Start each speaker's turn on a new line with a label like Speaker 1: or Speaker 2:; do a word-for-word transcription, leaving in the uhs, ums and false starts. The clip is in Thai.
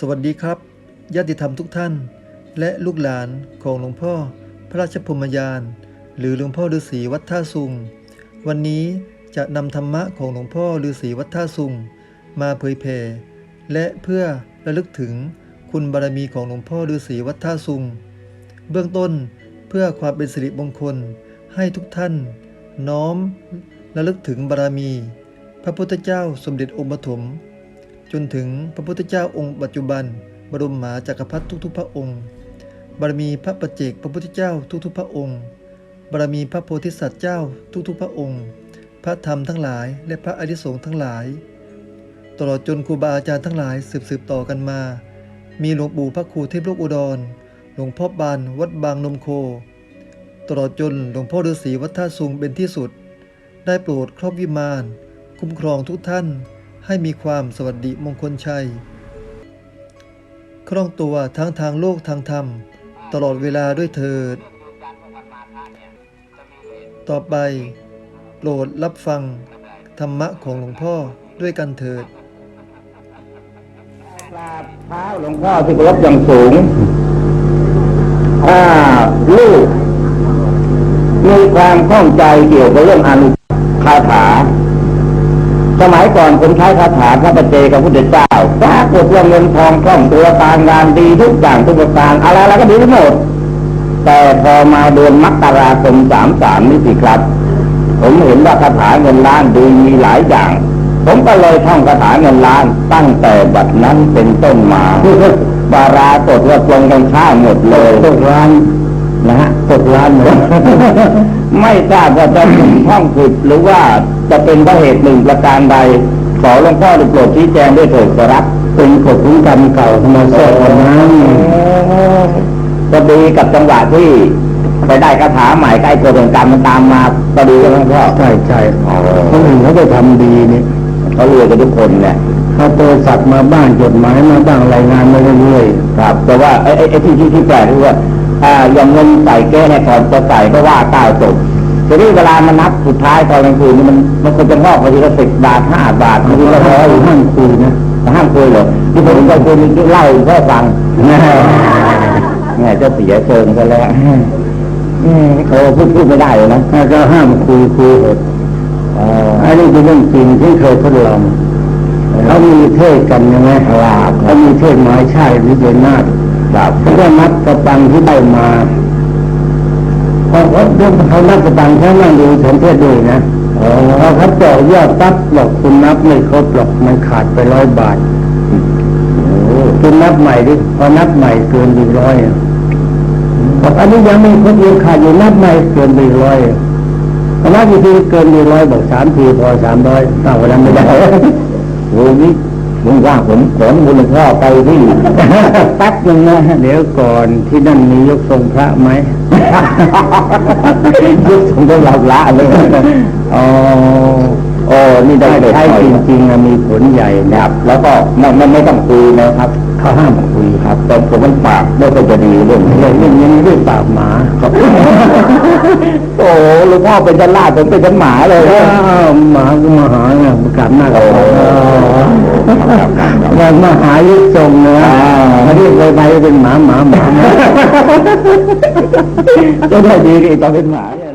Speaker 1: วัสดีครับญาติธรรมทุกท่านและลูกหลานของหลวงพ่อพระราชพรหมยานหรือหลวงพ่อฤาษีวัดท่าซุงวันนี้จะนำธรรมะของหลวงพ่อฤาษีวัดท่าซุงมาเผยแผ่และเพื่อระลึกถึงคุณบารมีของหลวงพ่อฤาษีวัดท่าซุงเบื้องต้นเพื่อความเป็นสิริมงคลให้ทุกท่านน้อมระลึกถึงบารมีพระพุทธเจ้าสมเด็จองค์ปฐมจนถึงพระพุทธเจ้าองค์ปัจจุบันบรมมหาจักรพรรดิทุกๆพระองค์บารมีพระปัจเจกพระพุทธเจ้าทุกๆพระองค์บารมีพระโพธิสัตว์เจ้าทุกๆพระองค์พระธรรมทั้งหลายและพระอริยสงฆ์ทั้งหลายตลอดจนครูบาอาจารย์ทั้งหลายสืบๆต่อกันมามีหลวงปู่พระครูเทพโลกอุดรหลวงพ่อบานวัดบางนมโคตลอดจนหลวงพ่อฤาษีวัดท่าซุงเป็นที่สุดได้โปรดครอบวิมานคุ้มครองทุกท่านให้มีความสวัสดิมงคลชัยคล่องตัวทั้งทางโลกทางธรรมตลอดเวลาด้วยเถิดต่อไปโปรดรับฟังธรรมะของหลวงพ่อด้วยกันเถิด
Speaker 2: กราบเท้าหลวงพ่อที่เคารพอย่างสูงถ้าลูกมีความข้องใจเกี่ยวกับเรื่องอนุคาถาสมัยก่อนผมใช้คาถาพระปัจเจกพระพุทธเจ้าปรากฏว่าเงินทองคล่องตัวการงานดีทุกอย่างทุกประการอะไรอะไรก็ดีทั้งหมดแต่พอมาเดือนมกราคมสามสามนี่สิครับผมเห็นว่าคาถาเงินล้านดีมีหลายอย่างผมก็เลยท่องคาถาเงินล้านตั้งแต่บัดนั้นเป็นต้นมาบาราตดว่าตรงกันข้ามหมดเลยตกล้านนะฮะตกล้านหมด ไม่ทราบว่าจะเป็นท่องผิดหรือว่าจะเป็นเพราะเหตุหนึ่งประการใดขอหลวงพ่อได้โปรดชี้แจงด้วยเถิดครับเป็นกฎของกรรมเก่าธรรมชาตินั้นพอดีกับจังหวะที่ไปได้คาถาใหม่ใกล้กฎของกรรมมันตามมาพอดีกับหลวงพ่อใช่ใช่คนอื่นเขาไปทำดีนี่เขารวยกันทุกคนเนี่ยเขาโทรศัพท์มาบ้างจดหมายมาบ้างรายงานมาเรื่อยๆครับแต่ว่าไอ้ไอ้ที่ที่ที่แปลกคือว่าอ่าอย่างเงินใส่แก้เนี่ยก่อนจะใส่ก็ว่าเก้าจบทีนี้เวลามันนับสุดท้ายตอนกลางคืนนี่มันมันควรจะงอกไปทีละสิบบาทห้าบาทบางทีก็ร้อยห้ามคุยนะห้ามคุยเลยที่ผมจะคุยนี่เล่าเพื่อฟังเนี่ยจะเสียเชิงซะแล้วเออพูดพูดไม่ได้เลยนะก็ห้ามคุยคุยเหตุอันนี้เป็นเรื่องจริงที่เคยทดลองเขามีเทศกันยังไงเขามีเทศไม้ใช่หรือเดินหน้าเขาได้นับกระปังที่ได้มาพอเขาเรื่องเขานับกระปังแค่นั่งดูฉันเทศด้วยนะพอเขาเจาะยอดตับบอกคุณนับไม่ครบหรอกมันขาดไปร้อยบาทคุณนับใหม่ดิพอนับใหม่เกินไปร้อยบอกอันนี้ยังไม่ครบยังขาดอยู่นับใหม่เกินไปร้อยพอนับอีกทีเกินไปร้อยบอกสามทีพอสามร้อยเอาวันนั้นไม่ได้โอ้นี่มึงว่าผมขนบุญพ่อไปที่แป๊บนึงนะเดี๋ยวก่อนที่นั่นมียกทรงพระไหมยกทรงก็หลับละเลยอ๋อโอ้นี่ได้ใช้จริงๆมีผลใหญ่นะครับแล้วก็ไม่ไม่ไม่ต้องคุยนะครับเขาห้ามคุยครับแต่ผมมันปากไม่ก็จะดีเรื่องนี้เรื่องนี้ด้วยปากหมาครับโอ้หลวงพ่อเป็นจันลาดผมเป็นจันหมาเลยหมาก็มาหาเนี่ยประกาศหน้าเขาอย่างมหายุทธทรงเนื้อมาเรียกไปไปเป็นหมาหมาหมาจะได้ดีอีกตอนเป็นหมา